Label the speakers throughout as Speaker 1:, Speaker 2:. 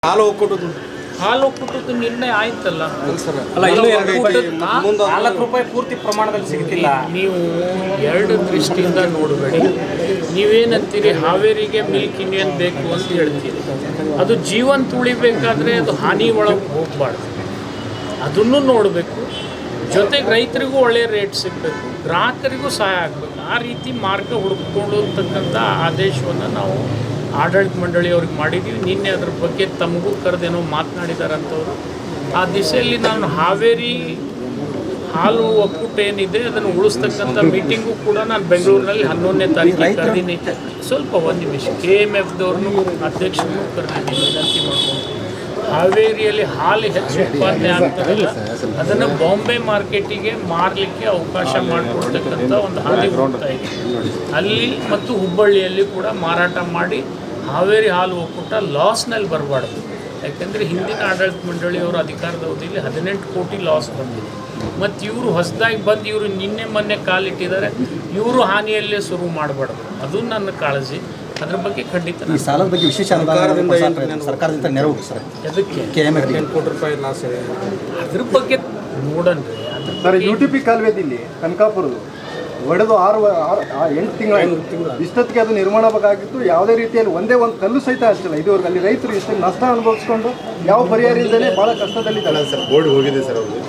Speaker 1: ಹಾಲು ಒಕ್ಕೂಟದ್ದು
Speaker 2: ನಿರ್ಣಯ ಆಯ್ತಲ್ಲ.
Speaker 3: ಅಲ್ಲ, ಇನ್ನೂ ₹4 ಪೂರ್ತಿ ಪ್ರಮಾಣದಲ್ಲಿ ಸಿಗ್ತಿಲ್ಲ.
Speaker 2: ನೀವು ಎರಡು ದೃಷ್ಟಿಯಿಂದ ನೋಡಬೇಡಿ. ನೀವೇನಂತೀರಿ, ಹಾವೇರಿಗೆ ಮಿಲ್ಕ್ ಯೂನಿಯನ್ ಬೇಕು ಅಂತ ಹೇಳ್ತೀರಿ. ಅದು ಜೀವಂತ ಉಳಿಬೇಕಾದ್ರೆ ಅದು ಹಾನಿ ಒಳಗೆ ಹೋಗಬಾರ್ದು, ಅದನ್ನು ನೋಡಬೇಕು. ಜೊತೆಗೆ ರೈತರಿಗೂ ಒಳ್ಳೆಯ ರೇಟ್ ಸಿಗಬೇಕು, ಗ್ರಾಹಕರಿಗೂ ಸಹಾಯ ಆಗಬೇಕು. ಆ ರೀತಿ ಮಾರ್ಗ ಹುಡುಕಿಕೊಳ್ಳತಕ್ಕಂಥ ಆದೇಶವನ್ನು ನಾವು ಆಡಳಿತ ಮಂಡಳಿಯವ್ರಿಗೆ ಮಾಡಿದ್ದೀವಿ. ನಿನ್ನೆ ಅದ್ರ ಬಗ್ಗೆ ತಮಗೂ ಕರೆದೇನೋ ಮಾತನಾಡಿದಾರಂಥವ್ರು. ಆ ದಿಸೆಯಲ್ಲಿ ನಾನು ಹಾವೇರಿ ಹಾಲು ಒಕ್ಕೂಟ ಏನಿದೆ ಅದನ್ನು ಉಳಿಸ್ತಕ್ಕಂಥ ಮೀಟಿಂಗು ಕೂಡ ನಾನು ಬೆಂಗಳೂರಿನಲ್ಲಿ 11ನೇ ತಾರೀಕಿಗೆ ಕರೆದೀನಿ. ಸ್ವಲ್ಪ ಒಂದು ನಿಮಿಷ KMFದವ್ರನ್ನೂ ಅಧ್ಯಕ್ಷರನ್ನು ಕರೆದಿದ್ದೀನಿ, ವಿನಂತಿ ಮಾಡ್ಕೊಂಡು ಹಾವೇರಿಯಲ್ಲಿ ಹಾಲು ಹೆಚ್ಚು ಉತ್ಪಾದನೆ ಆಗ್ತದಲ್ಲ ಅದನ್ನು ಬಾಂಬೆ ಮಾರ್ಕೆಟಿಗೆ ಮಾರಲಿಕ್ಕೆ ಅವಕಾಶ ಮಾಡಿಕೊಡ್ತಕ್ಕಂಥ ಒಂದು ಹಾದಿ ಹೋಗ್ತಾ ಇದೆ. ಅಲ್ಲಿ ಮತ್ತು ಹುಬ್ಬಳ್ಳಿಯಲ್ಲಿ ಕೂಡ ಮಾರಾಟ ಮಾಡಿ ಹಾವೇರಿ ಹಾಲು ಒಕ್ಕೂಟ ಲಾಸ್ನಲ್ಲಿ ಬರಬಾರ್ದು. ಯಾಕೆಂದರೆ ಹಿಂದಿನ ಆಡಳಿತ ಮಂಡಳಿಯವರ ಅಧಿಕಾರದ ಅವಧಿಯಲ್ಲಿ 18 ಕೋಟಿ ಲಾಸ್ ಬಂದಿದೆ. ಮತ್ತು ಇವರು ಹೊಸದಾಗಿ ಬಂದು ಇವರು ನಿನ್ನೆ ಮೊನ್ನೆ ಕಾಲಿಟ್ಟಿದ್ದಾರೆ, ಇವರು ಹಾನಿಯಲ್ಲೇ ಶುರು ಮಾಡಬಾರ್ದು. ಅದು ನನ್ನ ಕಾಳಜಿ. ಅದ್ರ ಬಗ್ಗೆ ಖಂಡಿತ
Speaker 4: ಈ ಸಾಲದ ಬಗ್ಗೆ ವಿಶೇಷ ಸರ್ಕಾರದಿಂದ ನೆರವು ಸರ್,
Speaker 2: ಅದಕ್ಕೆ
Speaker 1: ₹10 ಕೋಟಿ ಲಾಸ್ ಇದೆ.
Speaker 2: ಅದ್ರ ಬಗ್ಗೆ ನೋಡನ್ರಿ.
Speaker 5: ಸರ್, UTP ಕಾಲುವೆದಲ್ಲಿ ಕನಕಾಪುರದು ಒಡೆದು 8 ತಿಂಗಳು ಇಷ್ಟೊತ್ತಿಗೆ ಅದು ನಿರ್ಮಾಣ ಬೇಕಾಗಿತ್ತು. ಯಾವುದೇ ರೀತಿಯಲ್ಲಿ ಒಂದೇ ಒಂದು ಕಲ್ಲು ಸಹಿತ ಹಚ್ಚಿಲ್ಲ ಇದುವರೆಗೆ. ಅಲ್ಲಿ ರೈತರು ಇಷ್ಟು ನಷ್ಟ ಅನುಭವಿಸ್ಕೊಂಡು ಯಾವ ಪರಿಹಾರ ಇಲ್ಲದೇ ಭಾಳ ಕಷ್ಟದಲ್ಲಿದ್ದಾರೆ
Speaker 6: ಸರ್. ಬೋರ್ಡ್ ಹೋಗಿದೆ ಸರ್, ಅವರು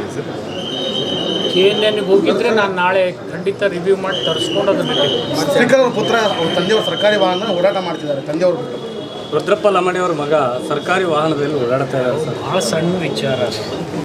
Speaker 2: KNNಗೆ ಹೋಗಿದ್ರೆ ನಾನು ನಾಳೆ ಖಂಡಿತ ರಿವ್ಯೂ ಮಾಡಿ ತರಿಸ್ಕೊಂಡು ಅದನ್ನು
Speaker 6: ಸ್ಪೀಕರ್ ಅವ್ರ ಪುತ್ರ ಅವ್ರ ತಂದೆಯವರು ಸರ್ಕಾರಿ ವಾಹನ ಓಡಾಟ ಮಾಡ್ತಿದ್ದಾರೆ. ತಂದೆಯವರು
Speaker 3: ರುದ್ರಪ್ಪ ಲಮಾಣಿ ಅವ್ರ ಮಗ ಸರ್ಕಾರಿ ವಾಹನದಲ್ಲಿ ಓಡಾಡ್ತಾ ಇದ್ದಾರೆ ಸರ್.
Speaker 2: ಭಾಳ ಸಣ್ಣ ವಿಚಾರ.